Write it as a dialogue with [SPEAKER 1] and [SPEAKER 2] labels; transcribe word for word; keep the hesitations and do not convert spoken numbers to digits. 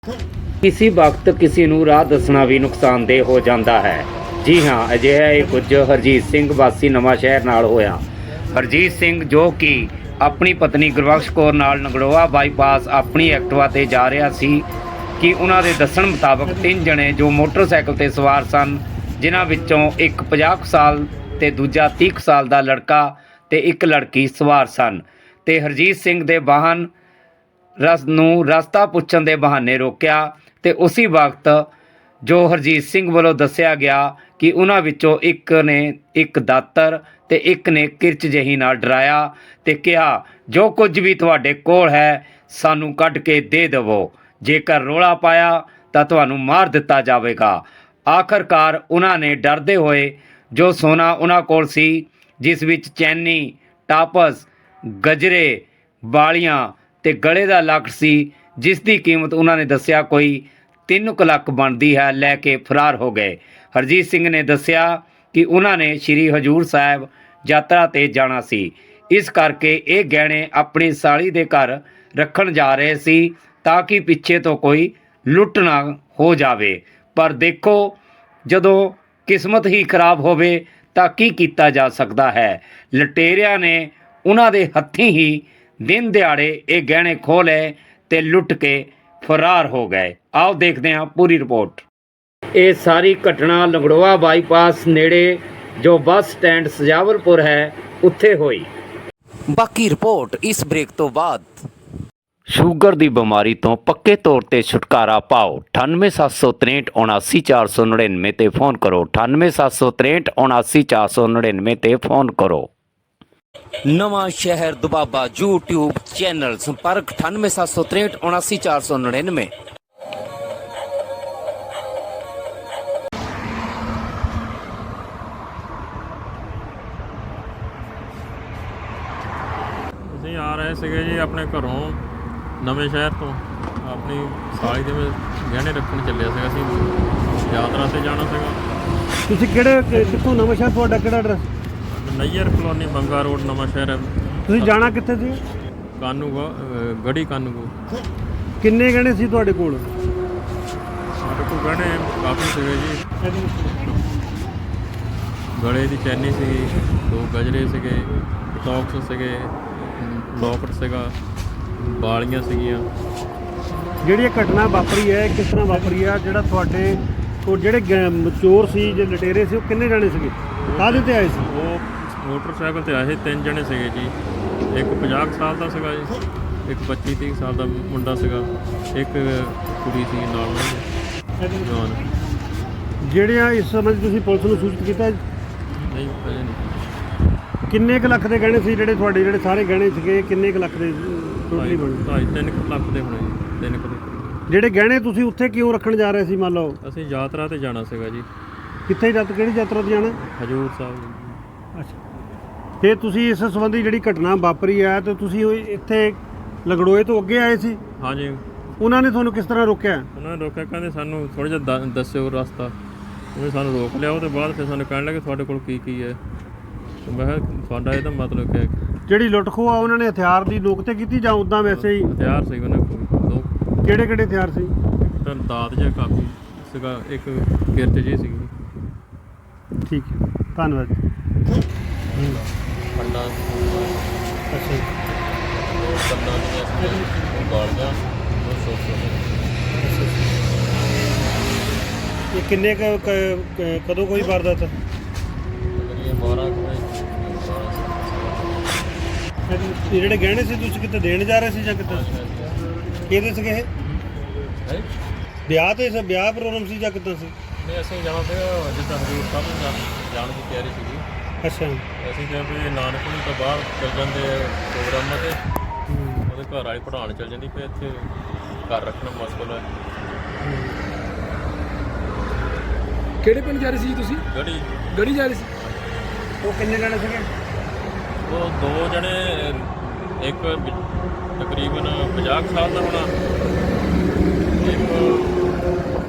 [SPEAKER 1] किसी वक्त किसी नूं राह दसना भी नुकसानदेह हो जाता है। जी हाँ, अजिहा ही कुछ हरजीत सिंह वासी नवां शहर नाल होया। हरजीत सिंह जो कि अपनी पत्नी गुरबख्श कौर नाल नगड़ोआ बाईपास अपनी एक्टिवा ते जा रहा सी कि उन्हां दे दस्सण मुताबक तीन जने जो मोटरसाइकिल ते सवार सन, जिन्हां विच्चों एक पचास साल ते दूजा तीस साल दा लड़का ते एक लड़की सवार सन ते हरजीत सिंह दे वाहन रस ਨੂੰ ਰਸਤਾ ਪੁੱਛਣ ਦੇ ਬਹਾਨੇ ਰੋਕਿਆ ਤੇ ਉਸੇ ਵਕਤ ਜੋ ਹਰਜੀਤ ਸਿੰਘ ਵੱਲੋਂ ਦੱਸਿਆ ਗਿਆ ਕਿ ਉਹਨਾਂ ਵਿੱਚੋਂ ਇੱਕ ਨੇ ਇੱਕ ਦਾਤਰ ਤੇ ਇੱਕ ਨੇ ਕਿਰਚ ਜਿਹੀ ਨਾਲ ਡਰਾਇਆ ਤੇ ਕਿਹਾ, ਜੋ ਕੁਝ ਵੀ ਤੁਹਾਡੇ ਕੋਲ ਹੈ ਸਾਨੂੰ ਕੱਢ ਕੇ ਦੇ ਦੇਵੋ, ਜੇਕਰ ਰੌਲਾ ਪਾਇਆ ਤਾਂ ਤੁਹਾਨੂੰ ਮਾਰ ਦਿੱਤਾ ਜਾਵੇਗਾ। ਆਖਰਕਾਰ ਉਹਨਾਂ ਨੇ ਡਰਦੇ ਹੋਏ ਜੋ ਸੋਨਾ ਉਹਨਾਂ ਕੋਲ ਸੀ, ਜਿਸ ਵਿੱਚ ਚੈਨੀ, ਟਾਪਸ, ਗਜਰੇ, ਵਾਲੀਆਂ ਤੇ ਗਲੇ ਦਾ ਲੱਕ ਸੀ, ਜਿਸ ਦੀ ਕੀਮਤ ਉਹਨਾਂ ਨੇ ਦੱਸਿਆ ਕੋਈ ਤਿੰਨ ਕੁ ਲੱਖ ਬਣਦੀ ਹੈ, ਲੈ ਕੇ ਫਰਾਰ ਹੋ ਗਏ। ਹਰਜੀਤ ਸਿੰਘ ਨੇ ਦੱਸਿਆ ਕਿ ਉਹਨਾਂ ਨੇ ਸ਼੍ਰੀ ਹਜ਼ੂਰ ਸਾਹਿਬ ਯਾਤਰਾ 'ਤੇ ਜਾਣਾ ਸੀ, ਇਸ ਕਰਕੇ ਇਹ ਗਹਿਣੇ ਆਪਣੀ ਸਾਲੀ ਦੇ ਘਰ ਰੱਖਣ ਜਾ ਰਹੇ ਸੀ ਤਾਂ ਕਿ ਪਿੱਛੇ ਤੋਂ ਕੋਈ ਲੁੱਟ ਨਾ ਹੋ ਜਾਵੇ। ਪਰ ਦੇਖੋ, ਜਦੋਂ ਕਿਸਮਤ ਹੀ ਖਰਾਬ ਹੋਵੇ ਤਾਂ ਕੀ ਕੀਤਾ ਜਾ ਸਕਦਾ ਹੈ। ਲੁਟੇਰਿਆਂ ਨੇ ਉਹਨਾਂ ਦੇ ਹੱਥੀਂ ਹੀ दिन दिहाड़े ये गहने खोले ते लुट के फरार हो गए। आओ देखते हैं पूरी रिपोर्ट। ये सारी घटना लंगड़ोआ बाईपास नेड़े जो बस स्टैंड सजावलपुर है उत्थे हुई।
[SPEAKER 2] बाकी रिपोर्ट इस ब्रेक तो बाद।
[SPEAKER 1] ਸ਼ੂਗਰ ਦੀ ਬਿਮਾਰੀ ਤੋਂ ਪੱਕੇ ਤੌਰ ਤੇ ਛੁਟਕਾਰਾ ਪਾਓ। ਅਠਾਨਵੇਂ ਸੱਤ ਸੌ ਤਰੇਂਹਠ ਉਨਾਸੀ ਚਾਰ ਸੌ ਨੜਿਨਵੇਂ ਤੇ फ़ोन करो। अठानवे सत्त सौ तरੇਂਹਠ उनासी चार सौ नड़िनवे ਤੇ फ़ोन करो।
[SPEAKER 2] नवां शहर दुबाबा यूट्यूब चैनल संपर्क अठानवे सत्त सौ तरੇਂਹਠ उनासी चार सौ नड़िनवे।
[SPEAKER 3] ਅਸੀਂ ਆ ਰਹੇ ਸੀਗੇ ਜੀ ਆਪਣੇ ਘਰੋਂ ਨਵੇਂ ਸ਼ਹਿਰ ਤੋਂ, ਆਪਣੀ ਸਾਲੀ ਦੇ ਗਹਿਣੇ ਰੱਖਣ ਚੱਲਿਆ ਸੀਗਾ। ਅਸੀਂ ਯਾਤਰਾ ਤੇ ਜਾਣਾ ਸੀਗਾ।
[SPEAKER 4] ਤੁਸੀਂ ਕਿਹੜੇ ਕਿ- ਕਿੱਥੋਂ ਨਵਾਂ ਸ਼ਹਿਰ, ਤੁਹਾਡਾ ਕਿਹੜਾ address?
[SPEAKER 3] Nayyar colony, Banga road, Nawanshahr ਹੈ।
[SPEAKER 4] ਤੁਸੀਂ ਜਾਣਾ ਕਿੱਥੇ ਸੀ?
[SPEAKER 3] ਕਾਨੂੰਗੋ, ਗੜੀ ਕਾਨੂੰਗੋ।
[SPEAKER 4] ਕਿੰਨੇ ਗਹਿਣੇ ਸੀ ਤੁਹਾਡੇ ਕੋਲ?
[SPEAKER 3] ਸਾਡੇ ਕੋਲ ਗਹਿਣੇ ਕਾਫੀ ਸੀਗੇ ਜੀ। ਗਲੇ ਦੀ ਚੈਨੀ ਸੀਗੀ, ਦੋ ਗਜਰੇ ਸੀਗੇ, ਟੌਕਸ ਸੀਗੇ, ਲੋਕਟ ਸੀਗਾ, ਵਾਲੀਆਂ ਸੀਗੀਆਂ।
[SPEAKER 4] ਜਿਹੜੀ ਇਹ ਘਟਨਾ ਵਾਪਰੀ ਹੈ ਕਿਸ ਤਰ੍ਹਾਂ ਵਾਪਰੀ ਹੈ? ਜਿਹੜਾ ਤੁਹਾਡੇ ਕੋਲ ਜਿਹੜੇ ਗੈ- ਚੋਰ ਸੀ, ਜੇ ਲਟੇਰੇ ਸੀ, ਉਹ ਕਿੰਨੇ ਜਾਣੇ ਸੀਗੇ, ਕਾਹਦੇ ਤੇ ਆਏ ਸੀ?
[SPEAKER 3] ਉਹ ਮੋਟਰਸਾਈਕਲ ਤੇ ਆਏ ਤਿੰਨ ਜਣੇ ਸੀਗੇ ਜੀ। ਇੱਕ ਪੰਜਾਹ ਸਾਲ ਦਾ ਸੀਗਾ ਜੀ, ਇੱਕ ਪੱਚੀ ਤੀਹ ਸਾਲ ਦਾ ਮੁੰਡਾ ਸੀਗਾ, ਇੱਕ ਕੁੜੀ ਸੀ ਨਾਲ ਉਹਨਾਂ ਦੇ ਜਵਾਨ।
[SPEAKER 4] ਜਿਹੜਿਆਂ ਇਸ ਸਮੇਂ ਤੁਸੀਂ ਪੁਲਿਸ ਨੂੰ ਸੂਚਿਤ ਕੀਤਾ?
[SPEAKER 3] ਨਹੀਂ ਅਜੇ ਨਹੀਂ।
[SPEAKER 4] ਕਿੰਨੇ ਕੁ ਲੱਖ ਦੇ ਗਹਿਣੇ ਸੀ ਜਿਹੜੇ ਤੁਹਾਡੇ, ਜਿਹੜੇ ਸਾਰੇ ਗਹਿਣੇ ਸੀਗੇ ਕਿੰਨੇ ਕੁ ਲੱਖ ਦੇ ਟੋਟਲੀ ਬਣੇ?
[SPEAKER 3] ਢਾਈ ਤਿੰਨ ਕੁ ਲੱਖ ਦੇ ਹੋਣੇ ਜੀ, ਤਿੰਨ ਕੁ ਦੇ।
[SPEAKER 4] ਜਿਹੜੇ ਗਹਿਣੇ ਤੁਸੀਂ ਉੱਥੇ ਕਿਉਂ ਰੱਖਣ ਜਾ ਰਹੇ ਸੀ? ਮੰਨ ਲਓ
[SPEAKER 3] ਅਸੀਂ ਯਾਤਰਾ ਤੇ ਜਾਣਾ ਸੀਗਾ ਜੀ।
[SPEAKER 4] ਕਿੱਥੇ ਯਾਤਰਾ, ਕਿਹੜੀ ਯਾਤਰਾ ਤੇ ਜਾਣਾ?
[SPEAKER 3] ਹਜ਼ੂਰ ਸਾਹਿਬ।
[SPEAKER 4] ਅੱਛਾ, ਫਿਰ ਤੁਸੀਂ ਇਸ ਸੰਬੰਧੀ ਜਿਹੜੀ ਘਟਨਾ ਵਾਪਰੀ ਹੈ ਤੇ ਤੁਸੀਂ ਉਹ ਇੱਥੇ ਲੰਗੜੋਏ ਤੋਂ ਅੱਗੇ ਆਏ ਸੀ?
[SPEAKER 3] ਹਾਂਜੀ।
[SPEAKER 4] ਉਹਨਾਂ ਨੇ ਤੁਹਾਨੂੰ ਕਿਸ ਤਰ੍ਹਾਂ ਰੋਕਿਆ?
[SPEAKER 3] ਉਹਨਾਂ ਨੇ ਰੋਕਿਆ, ਕਹਿੰਦੇ ਸਾਨੂੰ ਥੋੜ੍ਹਾ ਜਿਹਾ ਦ- ਦੱਸਿਓ ਰਸਤਾ। ਉਹਨੇ ਸਾਨੂੰ ਰੋਕ ਲਿਆ। ਉਹਦੇ ਬਾਅਦ ਫਿਰ ਸਾਨੂੰ ਕਹਿਣ ਲੱਗੇ ਤੁਹਾਡੇ ਕੋਲ ਕੀ ਕੀ ਹੈ। ਮੈਂ ਕਿਹਾ ਤੁਹਾਡਾ ਇਹਦਾ ਮਤਲਬ ਕਿਆ ਹੈ?
[SPEAKER 4] ਜਿਹੜੀ ਲੁੱਟ ਖੋਹ ਆ ਉਹਨਾਂ ਨੇ ਹਥਿਆਰ ਦੀ ਨੋਕ ਤੇ ਕੀਤੀ ਜਾਂ ਉਦਾਂ ਵੈਸੇ ਹੀ?
[SPEAKER 3] ਹਥਿਆਰ ਸੀ ਉਹਨਾਂ ਕੋਲ ਦੋ।
[SPEAKER 4] ਕਿਹੜੇ ਕਿਹੜੇ ਹਥਿਆਰ ਸੀ?
[SPEAKER 3] ਤਾਂ ਦਾਤ ਜਿਹਾ ਕਾਫੀ ਸੀਗਾ, ਇੱਕ ਕਿਰਚ ਜਿਹੀ ਸੀਗੀ।
[SPEAKER 4] ਠੀਕ ਹੈ, ਧੰਨਵਾਦ ਜੀ।
[SPEAKER 3] ਫੰਡਾ
[SPEAKER 4] ਅੱਛਾ ਜੀ।
[SPEAKER 3] ਦੋ ਕੰਨਾਂ ਦੀਆਂ ਸੀ, ਉਹ ਗਾਲ ਗਿਆ, ਉਹ ਸੋਚ
[SPEAKER 4] ਇਹ ਕਿੰਨੇ ਕੁ ਕ- ਕ- ਕਦੋਂ ਕੋਈ ਵਾਰਦਾਤ?
[SPEAKER 3] ਇਹ ਬਾਰਾਂ ਕੁ ਵਜੇ,
[SPEAKER 4] ਇਹ ਜਿਹੜੇ ਗਹਿਣੇ ਸੀ ਤੁਸੀਂ ਕਿਤੇ ਦੇਣ ਜਾ ਰਹੇ ਸੀ ਜਾਂ ਕਿਤੇ? ਕਿਹਦੇ ਸੀਗੇ ਇਹ?
[SPEAKER 3] ਹੈ
[SPEAKER 4] ਵਿਆਹ ਤੇ ਸੀ, ਵਿਆਹ ਪ੍ਰੋਗਰਾਮ ਸੀ ਜਾਂ ਕਿੱਦਾਂ ਸੀ?
[SPEAKER 3] ਨਹੀਂ, ਅਸੀਂ ਜਾਣਾ ਸੀਗਾ ਜਿੱਦਾਂ ਹਜ਼ੂਰ ਸਾਹਿਬ ਨੂੰ ਜਾ- ਜਾਣ ਦੀ ਤਿਆਰੀ ਸੀਗੀ।
[SPEAKER 4] ਅੱਛਾ।
[SPEAKER 3] ਅਸੀਂ ਕਿਹਾ ਵੀ ਨਾਨਕਪੁਰੀ ਤੋਂ ਬਾਹਰ ਚੱਲ ਜਾਂਦੇ ਪ੍ਰੋਗਰਾਮਾਂ 'ਤੇ, ਉਹਦੇ ਘਰ ਵਾਲੀ ਪੜ੍ਹਾਉਣ ਚੱਲ ਜਾਂਦੀ, ਫਿਰ ਇੱਥੇ ਘਰ ਰੱਖਣਾ ਮੁਸ਼ਕਲ ਹੈ।
[SPEAKER 5] ਕਿਹੜੇ ਪਿੰਡ ਜਾ ਰਹੇ ਸੀ ਤੁਸੀਂ?
[SPEAKER 3] ਗੜੀ
[SPEAKER 5] ਗੜੀ ਜਾ ਰਹੇ ਸੀ?
[SPEAKER 4] ਉਹ ਕਿੰਨੇ ਜਾਣੇ ਸੀਗੇ?
[SPEAKER 3] ਉਹ ਦੋ ਜਣੇ, ਇੱਕ ਤਕਰੀਬਨ ਪੰਜਾਹ ਸਾਲ ਦਾ ਹੋਣਾ, ਇੱਕ